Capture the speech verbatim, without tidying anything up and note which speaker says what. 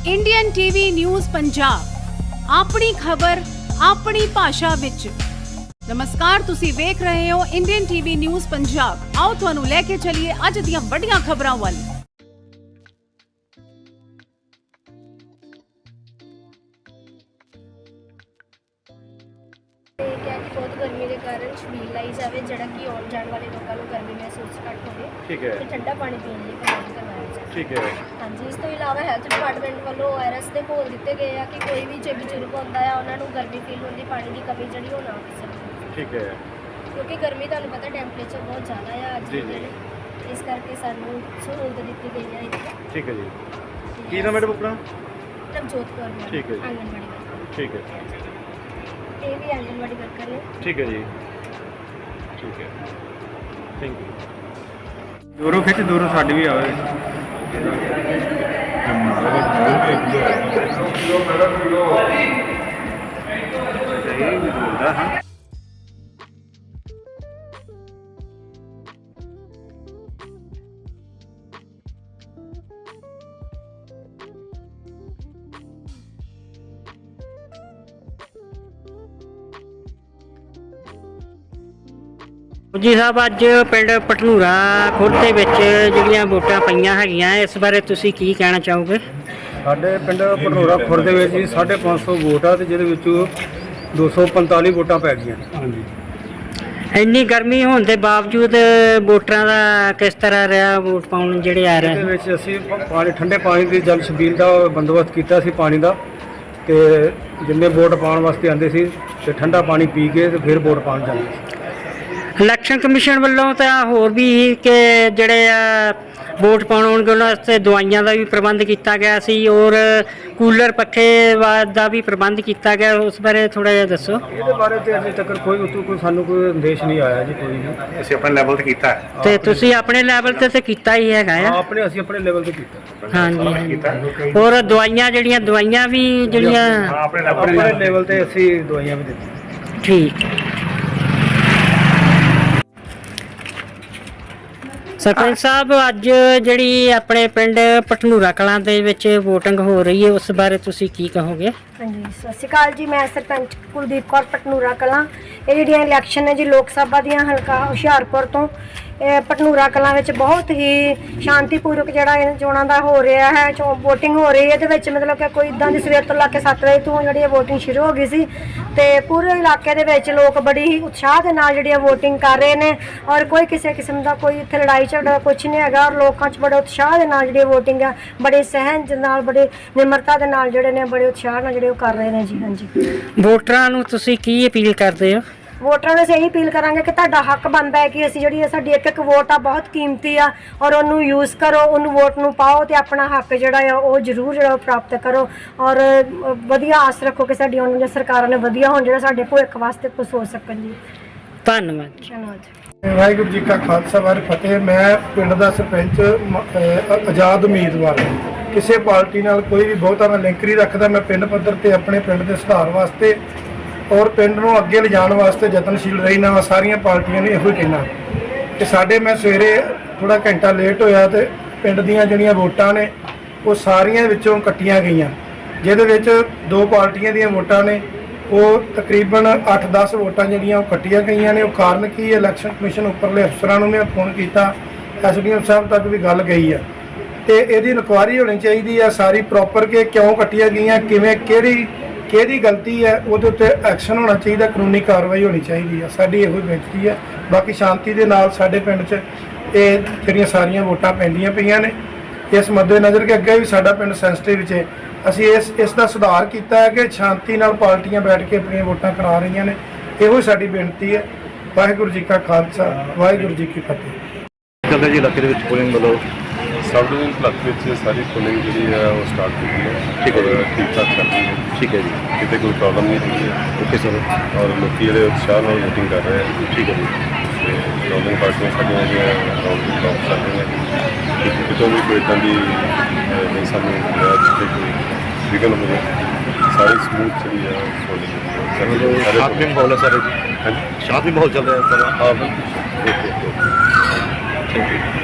Speaker 1: Indian TV news Punjab अपनी खबर अपनी भाषा विच। नमस्कार, तुसी वेख रहे हो इंडियन टीवी न्यूज़ पंजाब। आओ तुहानू लेके चलिए अज दियां वड्डियां खबरां वल।
Speaker 2: बहुत गर्मी के कारण छबील लाई जाए जरा कि आने जाने वाले लोगों को गर्मी महसूस घट हो
Speaker 3: ठीक है
Speaker 2: ठंडा पानी पीने की प्रबंध करवाया जाए।
Speaker 3: ठीक है
Speaker 2: हाँ जी, इस तो इलावा हैल्थ डिपार्टमेंट वालों ओ आर एस के घोल दिए गए हैं कि कोई भी जो बजुर्ग होता है उन्होंने गर्मी फील होती पानी की कमी जी हो ना हो सकती।
Speaker 3: ठीक है
Speaker 2: क्योंकि गर्मी तुहानू पता टैंपरेचर बहुत ज़्यादा है अज
Speaker 3: जी जी
Speaker 2: इस करके सानू सहूलत दी गई है इतनी।
Speaker 3: ठीक है जी की नाम मैडम अपना
Speaker 2: नवजोत कौर मैडम,
Speaker 3: ठीक है जी।
Speaker 2: आंगनबाड़ी वर्कर।
Speaker 3: ठीक है
Speaker 2: ये भी आंगनबाड़ी वर्कर ने।
Speaker 3: ठीक है जी ठीक है थैंक यू।
Speaker 4: दूरों खिंच दूरों साड़ी भी आवे
Speaker 5: ਜੀ ਸਾਹਿਬ ਅੱਜ ਪਿੰਡ ਪਟਨੂਰਾ ਖੁਰਦ ਦੇ ਵਿੱਚ ਜਿਹੜੀਆਂ ਵੋਟਾਂ ਪਈਆਂ ਹੈਗੀਆਂ ਇਸ ਬਾਰੇ ਤੁਸੀਂ ਕੀ ਕਹਿਣਾ ਚਾਹੋਗੇ?
Speaker 4: ਸਾਡੇ ਪਿੰਡ ਪਟਨੂਰਾ ਖੁਰਦ ਦੇ ਵਿੱਚ ਜੀ ਸਾਢੇ ਪੰਜ ਸੌ ਵੋਟ ਆ ਤੇ ਜਿਹਦੇ ਵਿੱਚੋਂ ਦੋ ਸੌ ਪੰਤਾਲੀ ਵੋਟਾਂ ਪੈ ਗਈਆਂ। ਹਾਂਜੀ
Speaker 5: ਇੰਨੀ ਗਰਮੀ ਹੋਣ ਦੇ ਬਾਵਜੂਦ ਵੋਟਰਾਂ ਦਾ ਕਿਸ ਤਰ੍ਹਾਂ ਰਿਹਾ ਵੋਟ ਪਾਉਣ ਜਿਹੜੇ ਆ ਰਹੇ?
Speaker 4: ਇਹਦੇ ਵਿੱਚ ਅਸੀਂ ਪਾਣੀ ਠੰਡੇ ਪਾਣੀ ਦੀ ਜਲ ਛਬੀਲ ਦਾ ਬੰਦੋਬਸਤ ਕੀਤਾ ਸੀ ਪਾਣੀ ਦਾ ਤੇ ਜਿੰਨੇ ਵੋਟ ਪਾਉਣ ਵਾਸਤੇ ਆਉਂਦੇ ਸੀ ਤੇ ਠੰਡਾ ਪਾਣੀ ਪੀ ਕੇ ਤੇ ਫਿਰ ਵੋਟ ਪਾਉਣ ਜਾਂਦੇ ਸੀ।
Speaker 5: ਇਲੈਕਸ਼ਨ ਕਮਿਸ਼ਨ ਵੱਲੋਂ ਤਾਂ ਹੋਰ ਵੀ ਕਿ ਜਿਹੜੇ ਆ ਵੋਟ ਪਾਉਣ ਆਉਣਗੇ ਉਹਨਾਂ ਵਾਸਤੇ ਦਵਾਈਆਂ ਦਾ ਵੀ ਪ੍ਰਬੰਧ ਕੀਤਾ ਗਿਆ ਸੀ ਔਰ ਕੂਲਰ ਪੱਖੇ ਦਾ ਵੀ ਪ੍ਰਬੰਧ ਕੀਤਾ ਗਿਆ, ਉਸ ਬਾਰੇ ਥੋੜਾ ਜਿਹਾ ਦੱਸੋ।
Speaker 4: ਇਹਦੇ ਬਾਰੇ ਤੇ ਅਜੇ ਤੱਕ ਕੋਈ ਉਤੋਂ ਕੋਈ ਸਾਨੂੰ ਕੋਈ ਸੰਦੇਸ਼ ਨਹੀਂ ਆਇਆ ਜੀ, ਕੋਈ ਨਹੀਂ।
Speaker 3: ਅਸੀਂ ਆਪਣੇ ਲੈਵਲ ਤੇ ਕੀਤਾ ਹੈ
Speaker 5: ਤੇ ਤੁਸੀਂ ਆਪਣੇ ਲੈਵਲ ਤੇ ਤੇ ਕੀਤਾ ਹੀ ਹੈਗਾ ਆ?
Speaker 4: ਆਪਣੇ ਅਸੀਂ ਆਪਣੇ ਲੈਵਲ ਤੇ ਕੀਤਾ।
Speaker 5: ਹਾਂਜੀ ਕੀਤਾ। ਔਰ ਦਵਾਈਆਂ ਜਿਹੜੀਆਂ ਦਵਾਈਆਂ ਵੀ ਜਿਹੜੀਆਂ
Speaker 3: ਆਪਣੇ
Speaker 4: ਆਪਣੇ ਲੈਵਲ ਤੇ ਅਸੀਂ ਦਵਾਈਆਂ ਵੀ ਦਿੱਤੀਆਂ।
Speaker 5: ਠੀਕ। ਸਰਪੰਚ ਸਾਹਿਬ ਅੱਜ ਜਿਹੜੀ ਆਪਣੇ ਪਿੰਡ ਪਟਨੂਰਾ ਕਲਾਂ ਦੇ ਵਿੱਚ ਵੋਟਿੰਗ ਹੋ ਰਹੀ ਹੈ ਉਸ ਬਾਰੇ ਤੁਸੀਂ ਕੀ ਕਹੋਗੇ?
Speaker 2: हाँ जी, सत श्री अकाल जी। मैं सरपंच कुलदीप कौर पटनूरा कलां। ये जिहड़ियां इलैक्शन है जी लोक सभा दियां हलका हुशियारपुर तो पटनूरा कलां विच बहुत ही शांतिपूर्वक जिहड़ा चोणां दा हो रहा है, चो वोटिंग हो रही है। इहदे विच मतलब कि कोई इदां दी सवेर तो लग के सत्त बजे तो जिहड़ी वोटिंग शुरू हो गई सी ते पूरे इलाके दे विच लोग बड़ी ही उत्साह दे नाल जिहड़ी वोटिंग कर रहे ने और कोई किसी किस्म दा कोई इत्थे लड़ाई झगड़ा कुछ नहीं हैगा और लोकां च बड़े उत्साह दे नाल जिहड़ी वोटिंग है बड़े सहन दे नाल बड़े निमरता दे नाल जिहड़े ने बड़े उत्साह नाल जिहड़े कर रहे हैं जी। हाँ जी,
Speaker 5: ਵੋਟਰਾਂ ਨੂੰ ਤੁਸੀਂ ਕੀ ਅਪੀਲ ਕਰਦੇ ਹੋ?
Speaker 2: ਵੋਟਰਾਂ ਨੂੰ ਇਹੀ ਅਪੀਲ ਕਰਾਂਗੇ ਕਿ ਤੁਹਾਡਾ ਹੱਕ ਬਣਦਾ ਹੈ ਕਿ ਅਸੀਂ ਜਿਹੜੀ ਸਾਡੀ ਇੱਕ ਇੱਕ ਵੋਟ ਆ ਬਹੁਤ ਕੀਮਤੀ ਆ ਔਰ ਉਹਨੂੰ ਯੂਜ਼ ਕਰੋ, ਉਹਨੂੰ ਵੋਟ ਨੂੰ ਪਾਓ ਤੇ ਆਪਣਾ ਹੱਕ ਜਿਹੜਾ ਆ ਉਹ ਜ਼ਰੂਰ ਜਿਹੜਾ ਪ੍ਰਾਪਤ ਕਰੋ ਔਰ ਵਧੀਆ ਆਸ ਰੱਖੋ ਕਿ ਸਾਡੀ ਉਹਨਾਂ ਦੀਆਂ ਸਰਕਾਰਾਂ ਨੇ ਵਧੀਆ ਹੋਣ ਜਿਹੜਾ ਸਾਡੇ ਭਵਿੱਖ ਵਾਸਤੇ ਕੁਝ ਸੋਚ ਸਕਣ ਜੀ।
Speaker 5: ਧੰਨਵਾਦ।
Speaker 2: ਧੰਨਵਾਦ।
Speaker 6: ਵਾਹਿਗੁਰੂ ਜੀ ਕਾ ਖਾਲਸਾ ਵਾਹਿਗੁਰੂ ਫਤਿਹ। ਮੈਂ ਪਿੰਡ ਦਾ ਸਰਪੰਚ ਅ- ਆਜ਼ਾਦ ਉਮੀਦਵਾਰ ਹਾਂ। ਕਿਸੇ ਪਾਰਟੀ ਨਾਲ ਕੋਈ ਵੀ ਬਹੁਤਾ ਮੈਂ ਲਿੰਕ ਨਹੀਂ ਰੱਖਦਾ। ਮੈਂ ਪਿੰਡ ਪੱਧਰ ਤੇ ਆਪਣੇ ਪਿੰਡ ਦੇ ਸੁਧਾਰ ਵਾਸਤੇ ਔਰ ਪਿੰਡ ਨੂੰ ਅੱਗੇ ਲਿਜਾਣ ਵਾਸਤੇ ਯਤਨਸ਼ੀਲ ਰਹਿਣਾ ਵਾ। ਸਾਰੀਆਂ ਪਾਰਟੀਆਂ ਨੂੰ ਇਹੋ ਹੀ ਕਹਿਣਾ ਕਿ ਸਾਡੇ ਮੈਂ ਸਵੇਰੇ ਥੋੜਾ ਘੰਟਾ ਲੇਟ ਹੋਇਆ ਤੇ ਪਿੰਡ ਦੀਆਂ ਜਿਹੜੀਆਂ ਵੋਟਾਂ ਨੇ ਉਹ ਸਾਰੀਆਂ ਵਿੱਚੋਂ ਕੱਟੀਆਂ ਗਈਆਂ, ਜਿਹਦੇ ਵਿੱਚ ਦੋ ਪਾਰਟੀਆਂ ਦੀਆਂ ਵੋਟਾਂ ਨੇ ਉਹ ਤਕਰੀਬਨ ਅੱਠ ਦਸ ਵੋਟਾਂ ਜਿਹੜੀਆਂ ਉਹ ਕੱਟੀਆਂ ਗਈਆਂ ਨੇ। ਉਹ ਕਾਰਨ ਕੀ ਹੈ? ਇਲੈਕਸ਼ਨ ਕਮਿਸ਼ਨ ਉੱਪਰਲੇ ਅਫਸਰਾਂ ਨੂੰ ਮੈਂ ਫੋਨ ਕੀਤਾ, ਐਸ ਡੀ ਐਮ ਸਾਹਿਬ ਤੱਕ ਵੀ ਗੱਲ ਗਈ ਆ ਤੇ ਇਹਦੀ ਇਨਕੁਆਇਰੀ ਹੋਣੀ ਚਾਹੀਦੀ ਆ ਸਾਰੀ ਪ੍ਰੋਪਰ ਕਿ ਕਿਉਂ ਕੱਟੀਆਂ ਗਈਆਂ, ਕਿਵੇਂ, ਕਿਹੜੀ ਕਿਹਦੀ ਗਲਤੀ ਹੈ, ਉਹਦੇ ਉੱਤੇ ਐਕਸ਼ਨ ਹੋਣਾ ਚਾਹੀਦਾ, ਕਾਨੂੰਨੀ ਕਾਰਵਾਈ ਹੋਣੀ ਚਾਹੀਦੀ ਆ। ਸਾਡੀ ਇਹੋ ਬੇਨਤੀ ਹੈ। ਬਾਕੀ ਸ਼ਾਂਤੀ ਦੇ ਨਾਲ ਸਾਡੇ ਪਿੰਡ 'ਚ ਇਹ ਜਿਹੜੀਆਂ ਸਾਰੀਆਂ ਵੋਟਾਂ ਪੈਂਦੀਆਂ ਪਈਆਂ ਨੇ, ਇਸ ਮੱਦੇਨਜ਼ਰ ਕਿ ਅੱਗੇ ਵੀ ਸਾਡਾ ਪਿੰਡ ਸੈਂਸਿਟਿਵ 'ਚ ਅਸੀਂ ਇਸ ਇਸ ਦਾ ਸੁਧਾਰ ਕੀਤਾ ਹੈ ਕਿ ਸ਼ਾਂਤੀ ਨਾਲ ਪਾਰਟੀਆਂ ਬੈਠ ਕੇ ਆਪਣੀਆਂ ਵੋਟਾਂ ਕਰਾ ਰਹੀਆਂ ਨੇ। ਇਹੋ ਸਾਡੀ ਬੇਨਤੀ ਹੈ। ਵਾਹਿਗੁਰੂ ਜੀ ਕਾ ਖਾਲਸਾ ਵਾਹਿਗੁਰੂ ਜੀ ਕੀ ਫਤਿਹ।
Speaker 3: ਚੱਲਦਾ ਜੀ ਇਲਾਕੇ ਦੇ ਵਿੱਚ ਪੋਲਿੰਗ ਵੱਲੋਂ
Speaker 7: सब डिवीजन क्लब में सारी पोलिंग जी है वो स्टार्ट हुई है।
Speaker 3: ठीक है जी,
Speaker 7: ठीक ठाक चल रही है।
Speaker 3: ठीक है जी,
Speaker 7: कितने कोई प्रॉब्लम नहीं हुई है।
Speaker 3: Okay sir.
Speaker 7: और लोग जो उत्साह में वोटिंग कर रहे हैं।
Speaker 3: ठीक है जी।
Speaker 7: प्रॉब्लम पार्टियां साड़ियाँ जो टॉप चल रही हैं, कितों भी कोई इदा की नहीं सानू जिससे कोई विघन हो सारी स्मूथ चली है।
Speaker 3: शांत भी माहौल है सर? हाँ जी, शांत भी माहौल चल रहा है सर? हाँ बिल्कुल। Okay okay, thank you.